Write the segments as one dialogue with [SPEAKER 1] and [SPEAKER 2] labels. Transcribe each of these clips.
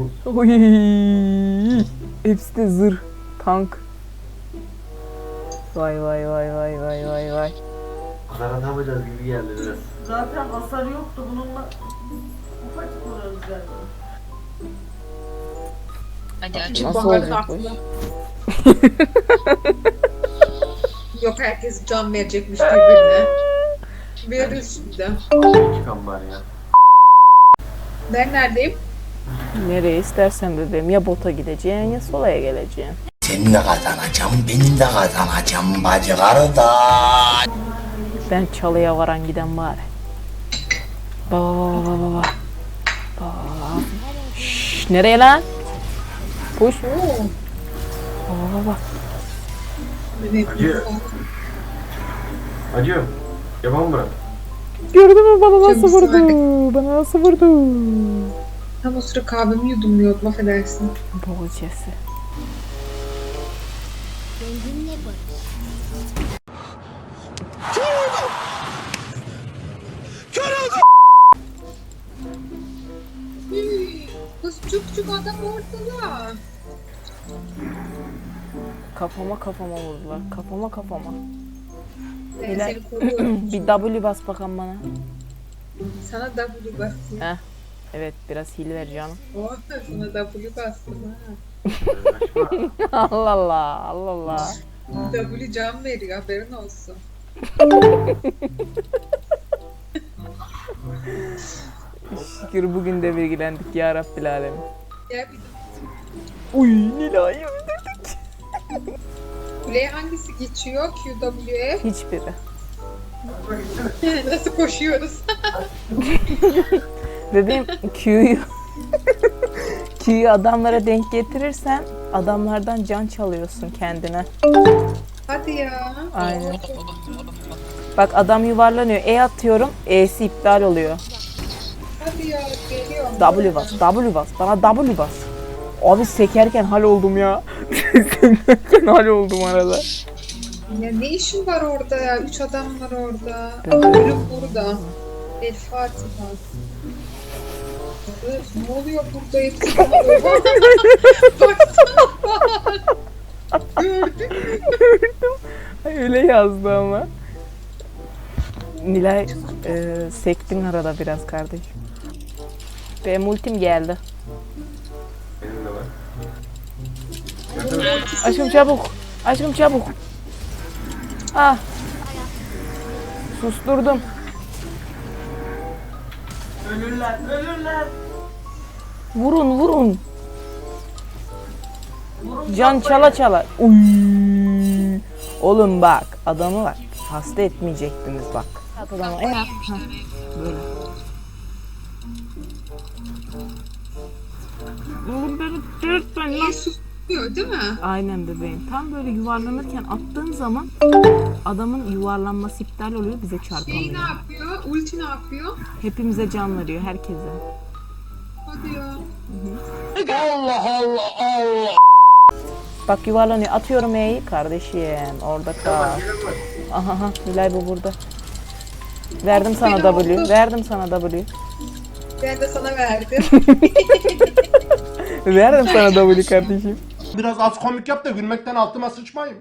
[SPEAKER 1] Oy. Hepsi de zırh. Tank. Vay vay vay vay vay vay vay.
[SPEAKER 2] Karatamayacağız gibi geldi biraz.
[SPEAKER 3] Zaten hasar yoktu bununla. Ufacık vurarız galiba.
[SPEAKER 4] Hadi aç.
[SPEAKER 1] Nasıl olacak bu iş?
[SPEAKER 5] Yok, herkes can verecekmiş birbirine. Veririz şimdi.
[SPEAKER 2] Çıkan bari ya.
[SPEAKER 5] Ben neredeyim?
[SPEAKER 1] Nereye istersen bebeğim. Ya bota gideceksin ya solaya geleceksin.
[SPEAKER 6] Senin de kazanacağım, benim de kazanacağım bacı kardeş.
[SPEAKER 1] Ben çalıya varan giden bari. Baba baba baba baba. Baba. Şşş, nereye lan? Push. Baba baba.
[SPEAKER 2] Acıyor. Acıyor. Yapalım mı?
[SPEAKER 1] Gördün mü bana nasıl
[SPEAKER 5] Çok
[SPEAKER 1] vurdu?
[SPEAKER 5] ısmarladık.
[SPEAKER 1] Bana nasıl vurdu?
[SPEAKER 5] Tam o sıra kahvemi yudumluyordum, affedersin.
[SPEAKER 1] Boğazcası.
[SPEAKER 5] Kız çuk adam ortada.
[SPEAKER 1] Kafama vurdular. Kafama.
[SPEAKER 5] Ben
[SPEAKER 1] Hilal.
[SPEAKER 5] seni koruyorum.
[SPEAKER 1] Bir W bas bakalım bana.
[SPEAKER 5] Sana W bastım.
[SPEAKER 1] Heh. Evet biraz hile ver canım.
[SPEAKER 5] Oh, sana W bastım ha.
[SPEAKER 1] Allah Allah. Allah Allah.
[SPEAKER 5] W can veriyor, haberin olsun.
[SPEAKER 1] Şükür bugün de bilgilendik ya Rabbil Alemin.
[SPEAKER 5] Gel bir
[SPEAKER 1] Uy Nilay'ı öldürdük.
[SPEAKER 5] kuleye hangisi geçiyor? QW'ye.
[SPEAKER 1] Hiçbiri.
[SPEAKER 5] Nasıl koşuyoruz?
[SPEAKER 1] Bebeğim Q'yu adamlara denk getirirsen adamlardan can çalıyorsun kendine.
[SPEAKER 5] Hadi ya.
[SPEAKER 1] Aynen. Bak adam yuvarlanıyor. E atıyorum. E'si iptal oluyor.
[SPEAKER 5] Hadi ya, geliyorum.
[SPEAKER 1] W bas. W bas. Bana W bas. Abi sekerken hal oldum ya. Sekerken hal oldum arada.
[SPEAKER 5] Ya ne işin var orada ya? 3 adam var orada.
[SPEAKER 1] Evet.
[SPEAKER 5] Ölüm burada. El Fatiha. Kız, ne oluyor burada? Hepsi bana böyle. Baksana bak. Gördün mü?
[SPEAKER 1] Ay, öyle yazdı ama. Nilay sektin arada biraz kardeş. Benim ultim geldi.
[SPEAKER 2] Benim de var.
[SPEAKER 1] Aşkım çabuk. Aşkım çabuk. Ah. Susturdum.
[SPEAKER 3] Ölürler.
[SPEAKER 1] Vurun.
[SPEAKER 3] Vurun
[SPEAKER 1] Can
[SPEAKER 3] kafayı.
[SPEAKER 1] çala. Uy. Oğlum bak adamı bak. Hasta etmeyecektiniz bak. Adamı böyle. Oğlum beni dürtme
[SPEAKER 5] Niye susmuyor değil mi?
[SPEAKER 1] Aynen bebeğim. Tam böyle yuvarlanırken attığın zaman adamın yuvarlanması iptal oluyor, bize
[SPEAKER 5] Şey
[SPEAKER 1] çarpamıyor.
[SPEAKER 5] ne yapıyor? Ulti ne yapıyor?
[SPEAKER 1] Hepimize can veriyor, herkese.
[SPEAKER 5] Hadi ya.
[SPEAKER 1] Bak yuvarlanıyor. Atıyorum E'yi. Kardeşim orada kal. Aha Nilay bu burada. Verdim sana
[SPEAKER 5] Benim
[SPEAKER 1] W.
[SPEAKER 5] oldu.
[SPEAKER 1] Verdim sana W.
[SPEAKER 5] Ben de sana verdim.
[SPEAKER 1] Verdim sana W kardeşim.
[SPEAKER 7] Biraz az komik yap da gülmekten altıma sıçmayayım.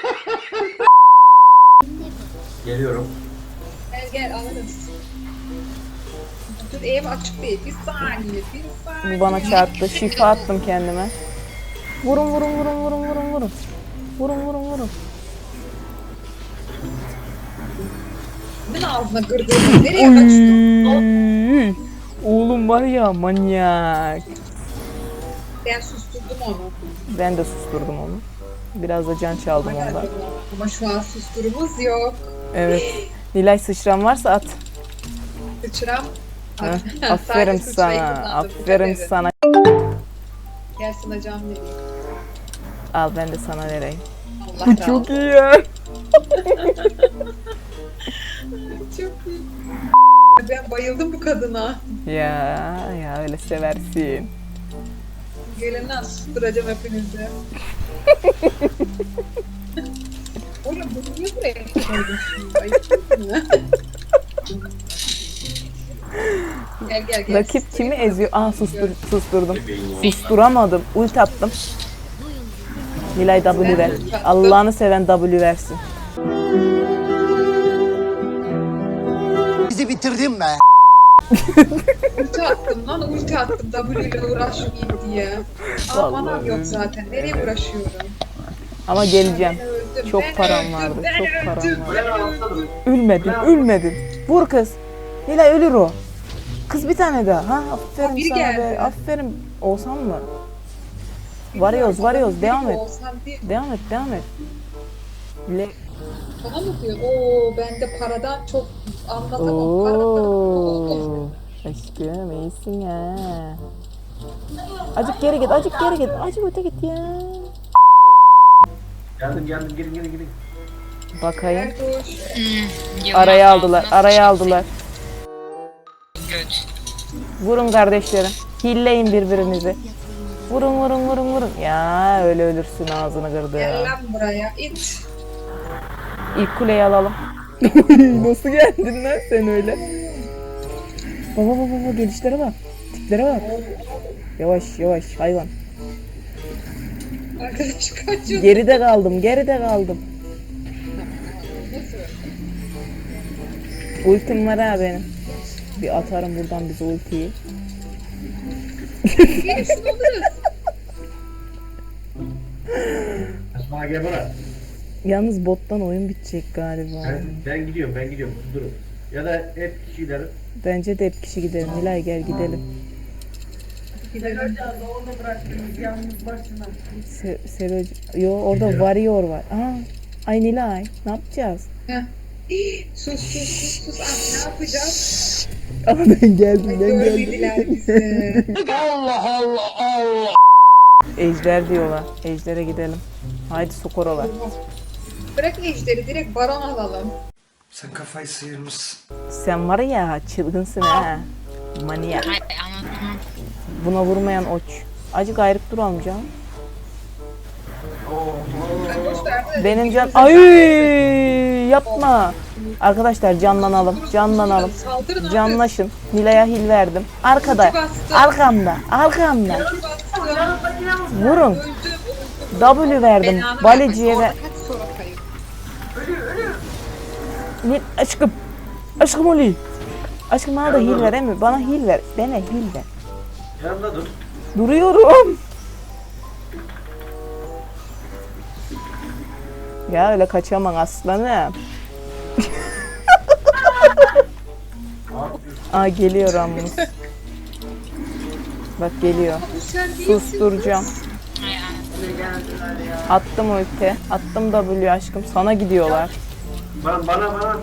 [SPEAKER 2] Geliyorum.
[SPEAKER 5] Gel alırız. Dur, ev açık değil. Bir saniye.
[SPEAKER 1] Bu bana çarptı. Şifa attım kendime. Vurun. Vurun.
[SPEAKER 5] Kimin ağzına kırdın? Nereye kaçtın?
[SPEAKER 1] Oy. Oğlum var ya manyak.
[SPEAKER 5] Ben susturdum onu.
[SPEAKER 1] Ben de susturdum onu. Biraz da can çaldım ondan.
[SPEAKER 5] Ama şu an susturumuz yok.
[SPEAKER 1] Evet. Nilay sıçran varsa at.
[SPEAKER 5] Sıçram.
[SPEAKER 1] Heh, aferin sana. Aferin sana.
[SPEAKER 5] Gel sana can vereyim.
[SPEAKER 1] Al ben de sana vereyim.
[SPEAKER 5] Allah razı
[SPEAKER 1] Çok
[SPEAKER 5] olsun.
[SPEAKER 1] iyi ya.
[SPEAKER 5] Çok iyi. Ben bayıldım bu kadına.
[SPEAKER 1] Ya öyle seversin.
[SPEAKER 5] Gelin lan, susturacağım hepinizi. Oğlum bunu niye buraya koydun şimdi? Ayıp değil mi? Gel.
[SPEAKER 1] Rakip kimi eziyor? Susturdum. Susturamadım. Ult attım. Nilay W ver. Allah'ını seven W versin.
[SPEAKER 6] Bizi bitirdin be.
[SPEAKER 5] Ulti attım W ile uğraşmayayım diye. Ama manam yok zaten. Nereye uğraşıyorum?
[SPEAKER 1] Ama geleceğim.
[SPEAKER 5] Ben öldüm,
[SPEAKER 1] Çok
[SPEAKER 5] ben
[SPEAKER 1] param
[SPEAKER 5] öldüm,
[SPEAKER 1] vardı.
[SPEAKER 5] ben
[SPEAKER 1] Çok
[SPEAKER 5] öldüm,
[SPEAKER 1] param vardı.
[SPEAKER 5] ben öldüm.
[SPEAKER 1] Ölmedin. Vur kız. Nilay ölür o. Kız bir tane daha. Ha aferin
[SPEAKER 5] biri
[SPEAKER 1] sana be.
[SPEAKER 5] geldi.
[SPEAKER 1] Aferin. Olsan mı? Varıyoruz. Devam et.
[SPEAKER 5] Olsan değil.
[SPEAKER 1] Devam et.
[SPEAKER 5] Bana mı diyor? Oo ben de paradan çok anlatamam. Paradan.
[SPEAKER 1] Oo. Aşkım iyisin ya. Azıcık geri git. Azıcık öte git ya.
[SPEAKER 2] Geldim gelin.
[SPEAKER 1] Bakayım.
[SPEAKER 5] Erdoş.
[SPEAKER 1] Araya aldılar. Vurun kardeşlerim. Hilleyin birbirinizi. Vurun. Ya öyle ölürsün, ağzını kırdı.
[SPEAKER 5] Gel lan buraya. İt.
[SPEAKER 1] İlk kuleyi alalım. Nasıl geldin lan sen öyle? Baba gelişlere bak. Tiplere bak. Yavaş hayvan.
[SPEAKER 5] Arkadaş kaçıyor.
[SPEAKER 1] Geride kaldım. Ultim var ha benim. Bir atarım buradan bize ultiyi.
[SPEAKER 5] Gelişsin oluruz.
[SPEAKER 2] Asma gel bana.
[SPEAKER 1] Yalnız bottan oyun bitecek galiba.
[SPEAKER 2] Ben gidiyorum. Durun. Ya da hep kişi gidelim.
[SPEAKER 1] Bence de hep kişi gidelim. Nilay gel gidelim.
[SPEAKER 3] Gidelim. Orada bıraktınız yalnız başına.
[SPEAKER 1] Yo orada warrior var. Ay Nilay ne yapacağız?
[SPEAKER 5] Heh. Sus. Ah, ne yapacağız?
[SPEAKER 1] Ben geldim.
[SPEAKER 5] Görmediler bizi.
[SPEAKER 1] Ejder diyorlar. Ejder'e gidelim. Haydi Sokorola.
[SPEAKER 5] Bırak ejderi direkt baron alalım.
[SPEAKER 6] Sen kafayı sıyırmışsın.
[SPEAKER 1] Sen var ya çılgınsın ha. Manyak. Buna vurmayan oç. Acık ayrık duralım canım.
[SPEAKER 5] Boş ver de.
[SPEAKER 1] Benim can... Ay yapma. Arkadaşlar canlanalım.
[SPEAKER 5] Saldırın abi.
[SPEAKER 1] Canlaşın. Nilay'a hil verdim. Arkada. Arkamda.
[SPEAKER 5] Bastım.
[SPEAKER 1] Vurun. W verdim.
[SPEAKER 5] Belanı
[SPEAKER 1] Baleciye
[SPEAKER 5] vermek.
[SPEAKER 1] ve...
[SPEAKER 5] Orada kaç sonra kayıp.
[SPEAKER 1] Aşkım Oli. Aşkım bana da hil ver mi? Bana hil ver. Dene hil ver.
[SPEAKER 2] Yanımda dur.
[SPEAKER 1] Duruyorum. Ya öyle kaçamam aslanım. Geliyor Ramus. Bak geliyor.
[SPEAKER 5] Bu sen değilsin.
[SPEAKER 1] Susturacağım. Attım ulti. Attım W aşkım. Sana gidiyorlar.
[SPEAKER 2] Bana.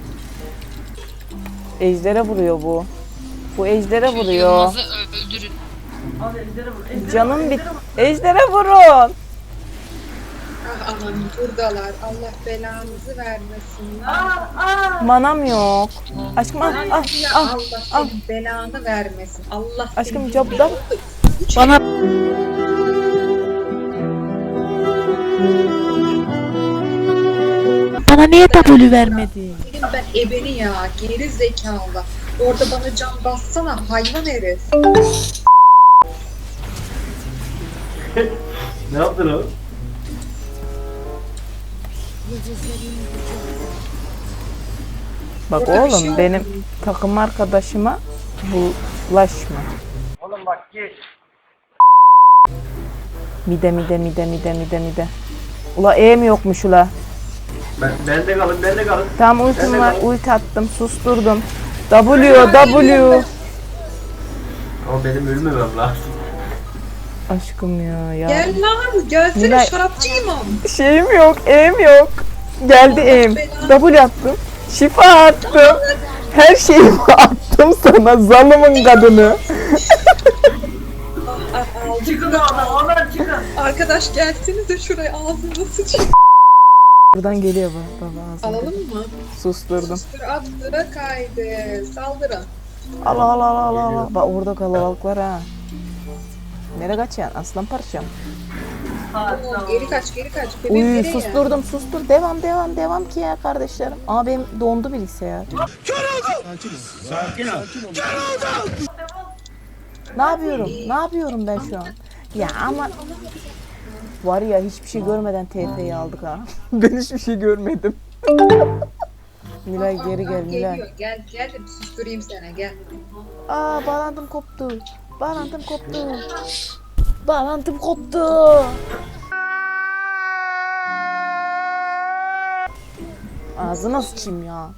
[SPEAKER 1] Ejder'e vuruyor bu. Bu Ejder'e vuruyor.
[SPEAKER 4] Yılmaz'ı öldürün.
[SPEAKER 3] Al ejderi vur.
[SPEAKER 1] Canım bit. Ejder'e vurun.
[SPEAKER 5] Ah aman buradalar. Allah belanızı vermesin.
[SPEAKER 1] Manam yok. Aşkım
[SPEAKER 5] Ya
[SPEAKER 1] al.
[SPEAKER 5] Allah senin belanı vermesin. Allah
[SPEAKER 1] Aşkım
[SPEAKER 5] senin
[SPEAKER 1] copda. Bana niye W vermedi?
[SPEAKER 5] Dedim ben ebeni ya. Geri zekalı. Orada bana can bassana hayvan herif.
[SPEAKER 2] Ne yaptın o?
[SPEAKER 1] Bak
[SPEAKER 5] Orada bir şey
[SPEAKER 1] oğlum
[SPEAKER 5] yok.
[SPEAKER 1] benim takım arkadaşıma bulaşma.
[SPEAKER 2] Oğlum bak git.
[SPEAKER 1] Mide. Ula E mi yokmuş ula?
[SPEAKER 2] Bende kalın.
[SPEAKER 1] Tamam ultim
[SPEAKER 2] Ben de
[SPEAKER 1] var.
[SPEAKER 2] var.
[SPEAKER 1] Ulti attım. Susturdum. W.
[SPEAKER 2] Ama benim ölmemem lazım.
[SPEAKER 1] Aşkım ya.
[SPEAKER 5] Gel lan gelsene
[SPEAKER 1] Nilay-
[SPEAKER 5] şarapçı imam.
[SPEAKER 1] Şeyim yok. E'm yok. Geldi E'm. W attım. Şifa attım. Her şeyimi attım sana. Zalımın kadını.
[SPEAKER 5] Aldım.
[SPEAKER 3] Çıkın oradan çıkın.
[SPEAKER 5] Arkadaş gelsenize şuraya ağzını sıçayım.
[SPEAKER 1] Buradan geliyor baba ağzına.
[SPEAKER 5] Alalım mı?
[SPEAKER 1] Susturdum.
[SPEAKER 5] Sustur attı kaydı. Saldırın.
[SPEAKER 1] Al. Bak orada kalabalık var ha. Nereye kaçacaksın aslan parçam?
[SPEAKER 5] Oo, geri kaç. Bebeğim
[SPEAKER 1] Uy
[SPEAKER 5] nereye?
[SPEAKER 1] sustur. Devam ki ya kardeşlerim. Benim dondu bilgisayar. Ne yapıyorum? Ne yapıyorum ben şu an? Ya ama var ya hiçbir şey görmeden TF'yi aldık ha. Ben hiçbir şey görmedim. Nilay geri gel Nilay.
[SPEAKER 5] Geliyor. Gel de bir susturayım sana gel.
[SPEAKER 1] Aa bağlantım koptu. Bağlantım koptu. Bağlantım koptu. Ağzına sıçayım ya.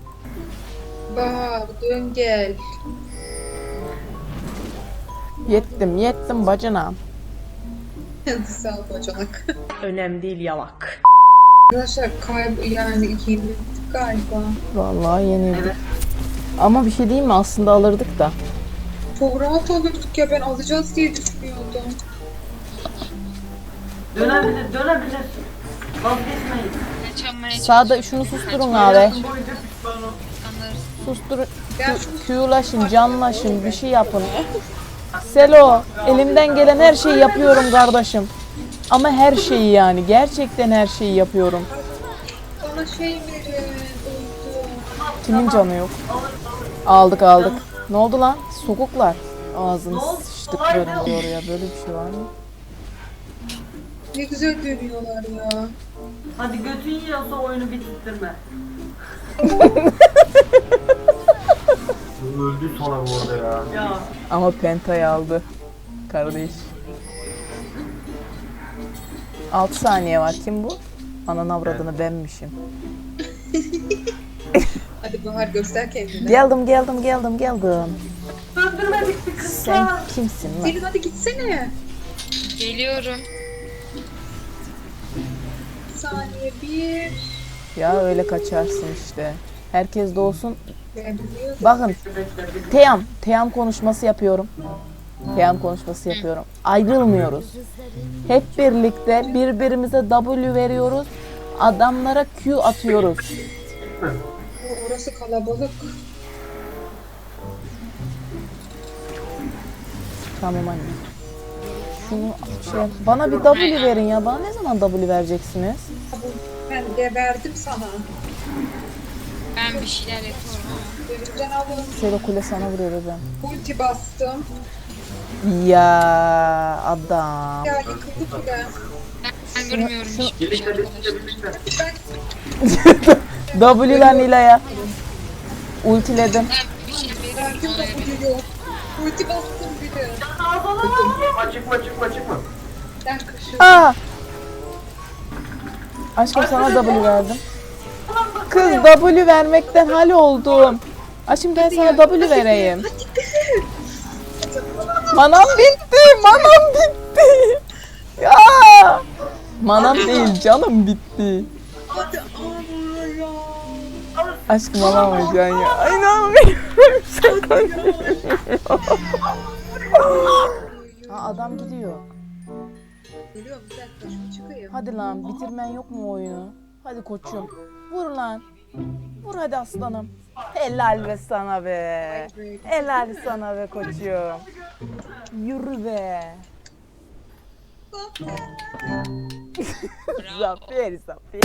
[SPEAKER 5] Bahar dön gel.
[SPEAKER 1] Yettim bacana.
[SPEAKER 5] Sağ ol bacanak.
[SPEAKER 3] Önemli değil yalak.
[SPEAKER 5] Arkadaşlar yani yenildik galiba.
[SPEAKER 1] Vallahi yenildik. Ama bir şey diyeyim mi? Aslında alırdık da.
[SPEAKER 5] Çok rahat alırdık ya, ben alacağız diye düşünüyordum.
[SPEAKER 3] Dönebilir. Vazgeçmeyin.
[SPEAKER 1] Sağda şunu susturun abi.
[SPEAKER 3] Hayatım boyunca pişman
[SPEAKER 1] Susturun.
[SPEAKER 5] Ben şunu
[SPEAKER 1] Q'laşın, canlaşın, bir şey yapın. Selo, elimden gelen her şeyi yapıyorum kardeşim. Ama her şeyi yani. Gerçekten her şeyi yapıyorum.
[SPEAKER 5] bana şey verin. Uydu.
[SPEAKER 1] Kimin canı yok? Aldık. Ne oldu lan? Sokuklar. Ağzını sıçtıklarım diyor ya. Böyle bir şey var mı?
[SPEAKER 5] Ne güzel dönüyorlar ya.
[SPEAKER 3] Hadi götün yiyorsa oyunu bitirtme.
[SPEAKER 2] Öldü sonra bu arada ya.
[SPEAKER 3] Ya.
[SPEAKER 1] Ama Penta'yı aldı. Kardeş. 6 saniye var. Kim bu? Ananı avradını benmişim.
[SPEAKER 5] Hadi Bahar göster kendini.
[SPEAKER 1] Geldim.
[SPEAKER 3] Öldürmedik bir kız.
[SPEAKER 1] Sen kimsin lan?
[SPEAKER 5] Selin hadi gitsene.
[SPEAKER 4] Geliyorum.
[SPEAKER 5] Bir saniye bir.
[SPEAKER 1] Ya öyle kaçarsın işte. Herkes de olsun.
[SPEAKER 5] Ben biliyorum.
[SPEAKER 1] Bakın. Teyam konuşması yapıyorum. Ayrılmıyoruz. Hep birlikte birbirimize W veriyoruz. Adamlara Q atıyoruz.
[SPEAKER 5] Orası kalabalık.
[SPEAKER 1] Tamam anne. Şunu bana bir W verin ya. Bana ne zaman W vereceksiniz?
[SPEAKER 5] Ben de verdim sana.
[SPEAKER 4] Ben bir şeyler yapıyorum ama.
[SPEAKER 5] Önümden alın.
[SPEAKER 1] Selo kule sana vuruyor bebeğim.
[SPEAKER 5] Ulti bastım.
[SPEAKER 1] Ya adam.
[SPEAKER 5] Ya yıkıldı bile.
[SPEAKER 4] Ben görmüyorum hiçbir şey arkadaşlar.
[SPEAKER 5] Ben
[SPEAKER 1] W'ler Nilay'a. Ultiledim.
[SPEAKER 4] Ben bir şey veriyorum
[SPEAKER 5] verdim
[SPEAKER 4] ona
[SPEAKER 5] da
[SPEAKER 4] göre.
[SPEAKER 5] bu yok. Ulti bastım bir de.
[SPEAKER 2] Çıkma.
[SPEAKER 5] Ben kaşıyorum.
[SPEAKER 1] Aa! Aşkım sana W verdim. Kız W vermekten hal oldum. Aşkım ben sana W vereyim. Manam bitti. Ya! Manam değil canım bitti.
[SPEAKER 5] Hadi ama ya.
[SPEAKER 1] Aşkım alamayacaksın ya. Ay inanmıyorum. Şaka Ha adam gidiyor.
[SPEAKER 5] Geliyorum bir dakika şunu çıkayım.
[SPEAKER 1] Hadi lan bitirmen yok mu oyunu? Hadi koçum. Vur lan. Vur hadi aslanım. Helal be sana be. Helal sana be koçum. Yürü be. Zafer.